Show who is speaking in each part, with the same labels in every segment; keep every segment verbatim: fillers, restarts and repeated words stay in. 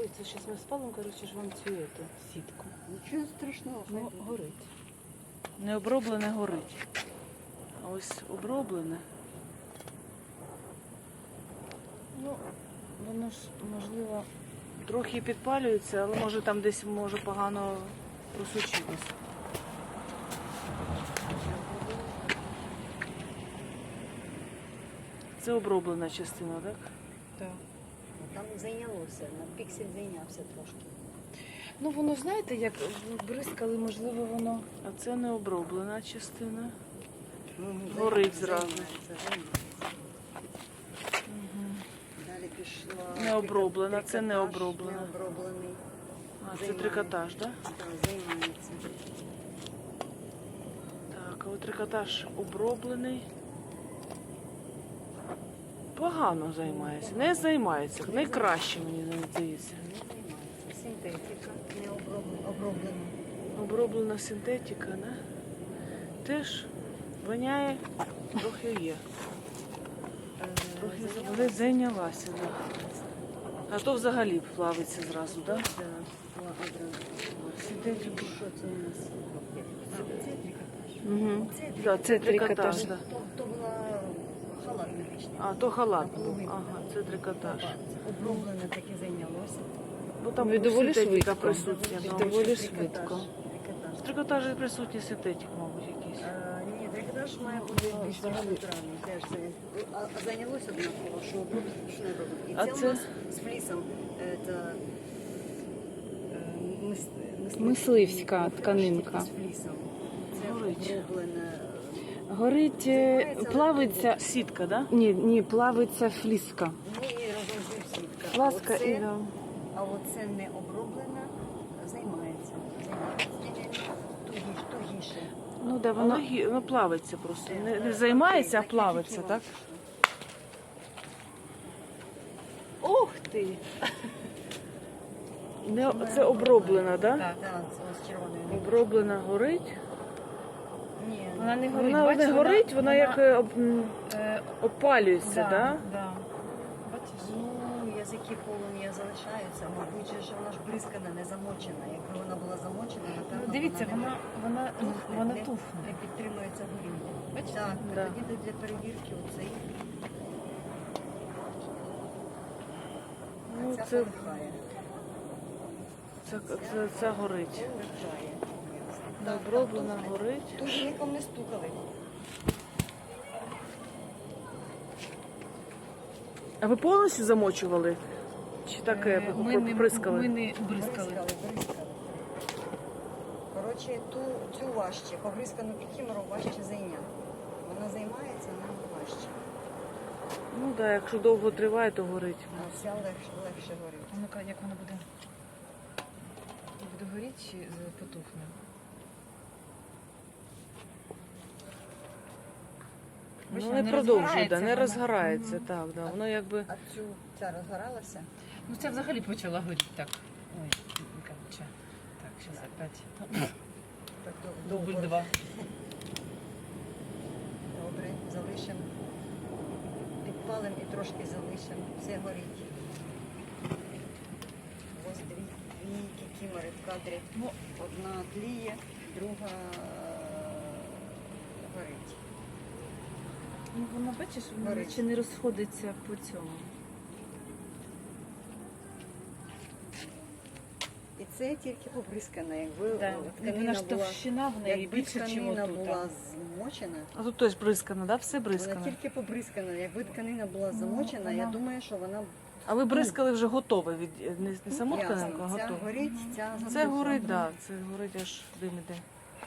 Speaker 1: Це зараз ми спалимо, коротше, ж вам цю ету, сітку.
Speaker 2: Нічого страшного.
Speaker 1: Ну, горить. Не оброблене горить. А ось оброблене. Ну, воно ж, можливо, трохи підпалюється, але може там десь може погано просочилось. Це оброблена частина, так? Так.
Speaker 2: Там зайнялося, на піксель зайнявся трошки.
Speaker 1: Ну воно, знаєте, як бризкали, можливо, воно. А це не оброблена частина. Горить зразу. Угу.
Speaker 2: Далі пішла.
Speaker 1: Не оброблена, це не
Speaker 2: трикотаж,
Speaker 1: оброблена.
Speaker 2: Не оброблений.
Speaker 1: А, це трикотаж, так?
Speaker 2: Так, займається.
Speaker 1: Так, а от трикотаж оброблений. Погано займається. Не займається. Найкраще, мені здається.
Speaker 2: Не займається. Синтетика, не оброблена. оброблена.
Speaker 1: Оброблена синтетика, да? Теж воняє, трохи є. Трохи
Speaker 2: Зайнялася.
Speaker 1: зайнялася, да. А то взагалі плавиться зразу, да?
Speaker 2: Так, одразу.
Speaker 1: Синтетику.
Speaker 2: Що це у нас? Це трикотаж.
Speaker 1: Угу.
Speaker 2: Це
Speaker 1: Да, це трикотаж,
Speaker 2: трикотаж.
Speaker 1: да.
Speaker 2: То, то була халат медичний.
Speaker 1: А, то халат був.
Speaker 2: Наполовину.
Speaker 1: Ага, це трикотаж.
Speaker 2: Оброблене таке зайнялося.
Speaker 1: Бо там
Speaker 3: Ну, і доволі
Speaker 1: синтетика
Speaker 3: швидко.
Speaker 1: присутня.
Speaker 3: І
Speaker 1: да.
Speaker 3: доволі
Speaker 2: Трикотаж.
Speaker 3: швидко.
Speaker 2: Трикотаж.
Speaker 1: В трикотажі присутній синтетик, мабуть, якийсь.
Speaker 2: Е, Ні, трикотаж має бути більш натуральний. Теж це. А, а зайнялося однаково, що оброблене, що не оброблене. І
Speaker 1: А
Speaker 2: це,
Speaker 1: це?
Speaker 2: у нас з флісом. е, Це, е, мис- мисливський
Speaker 3: Мисливська
Speaker 2: тряпочки
Speaker 3: тканинка.
Speaker 2: з флісом. Це
Speaker 1: Горить.
Speaker 2: оброблене.
Speaker 3: Горить, е, плавиться.
Speaker 1: Сітка, да?
Speaker 3: Ні, ні, плавиться фліска.
Speaker 2: Ну і разом з ним сітка.
Speaker 3: Фласка
Speaker 2: Оце-
Speaker 3: і да.
Speaker 2: А оце не оброблена, займається. Займається. Тугіше, тугіше.
Speaker 3: Ну да,
Speaker 1: Воно,
Speaker 3: воно
Speaker 1: гі- воно плавиться просто. Не, не займається, а плавиться, так? Ух ти! Не, це оброблена, так? Да?
Speaker 2: Так, так, це ось червоною.
Speaker 1: Оброблена горить.
Speaker 2: Ні,
Speaker 3: вона не горить.
Speaker 1: Вона
Speaker 3: Бачиш,
Speaker 1: не горить, вона як е, об, м,
Speaker 3: е,
Speaker 1: опалюється, так? Да,
Speaker 3: да, да. Бачиш?
Speaker 2: ну, язики полум'я залишаються, мабуть, же ж вона ж бризкана, не замочена. Якби вона була замочена, напевно,
Speaker 3: Ну, дивіться,
Speaker 2: вона,
Speaker 3: вона, вона,
Speaker 2: не тухне,
Speaker 3: вона
Speaker 2: не,
Speaker 3: тухне.
Speaker 2: не підтримується горіння.
Speaker 3: Бачите?
Speaker 2: Так,
Speaker 1: Да.
Speaker 2: тоді для перевірки оцей,
Speaker 1: Ну,
Speaker 2: ця
Speaker 1: це,
Speaker 2: полихає.
Speaker 1: це, це, це горить.
Speaker 2: Полихає.
Speaker 1: Не
Speaker 2: Так,
Speaker 1: оброблена,
Speaker 2: так, тухне.
Speaker 1: горить.
Speaker 2: Тут нікому не стукали.
Speaker 1: А ви повністю замочували? Чи так е,
Speaker 3: Ми не,
Speaker 1: прискали?
Speaker 3: ми не бризкали.
Speaker 2: Бризкали, бризкали. Коротше, ту, цю важче, побризкану кікімору важче зайняти. Вона займається, вона важче.
Speaker 1: Ну так, да, якщо довго триває, то горить.
Speaker 2: А ця легше, легше горить.
Speaker 3: А ну-ка, як вона буде? Буде горіти чи з- потухне? Бачите,
Speaker 1: Ну, не
Speaker 3: не
Speaker 1: продовжує,
Speaker 3: розгорається
Speaker 1: да, не
Speaker 3: вона.
Speaker 1: розгорається,
Speaker 3: Мгм.
Speaker 1: так, да. Воно якби.
Speaker 2: А цю, ця розгоралася?
Speaker 3: Ну це взагалі почала горіти так. Ой, короче. Так, зараз опять.
Speaker 2: Так, дов-
Speaker 3: Дубль
Speaker 2: довго.
Speaker 3: два.
Speaker 2: Добре, залишимо. Підпалимо і трошки залишимо. Все горить. Ось дві, дві кікімори в кадрі.
Speaker 3: Ну,
Speaker 2: Одна тліє, друга е, горить.
Speaker 3: Ну вона, бачиш, вона
Speaker 2: Горить.
Speaker 3: наче не розходиться по цьому.
Speaker 2: І це тільки побризкана. Якби
Speaker 3: Да.
Speaker 2: тканина
Speaker 3: Вона ж
Speaker 2: була,
Speaker 3: товщина в неї
Speaker 2: якби
Speaker 3: більше, ніж
Speaker 2: тканина
Speaker 3: отут.
Speaker 2: була змочена,
Speaker 1: А тут теж бризкано, да? Все
Speaker 2: вона
Speaker 1: бризкано.
Speaker 2: тільки побризкана. Якби тканина була
Speaker 3: Ну,
Speaker 2: замочена, я
Speaker 3: вона-
Speaker 2: думаю, що вона
Speaker 1: А ви бризкали вже готове від не, не саму
Speaker 2: ясно.
Speaker 1: тканинку, а
Speaker 2: Ця
Speaker 1: готове.
Speaker 2: горить, ця
Speaker 1: Це
Speaker 2: замочена.
Speaker 1: горить, так, да, це горить аж дим іде.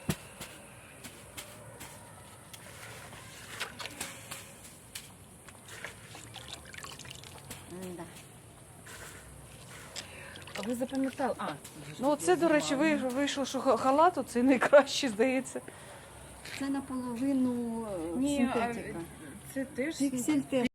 Speaker 2: М-да.
Speaker 3: А ви запам'ятали? А,
Speaker 1: Ну оце, до речі, ви- вийшло, що ха- халат оцей найкращий, здається.
Speaker 2: Це наполовину е,
Speaker 3: Ні, а
Speaker 2: синтетика.
Speaker 3: це теж
Speaker 2: Піксель теж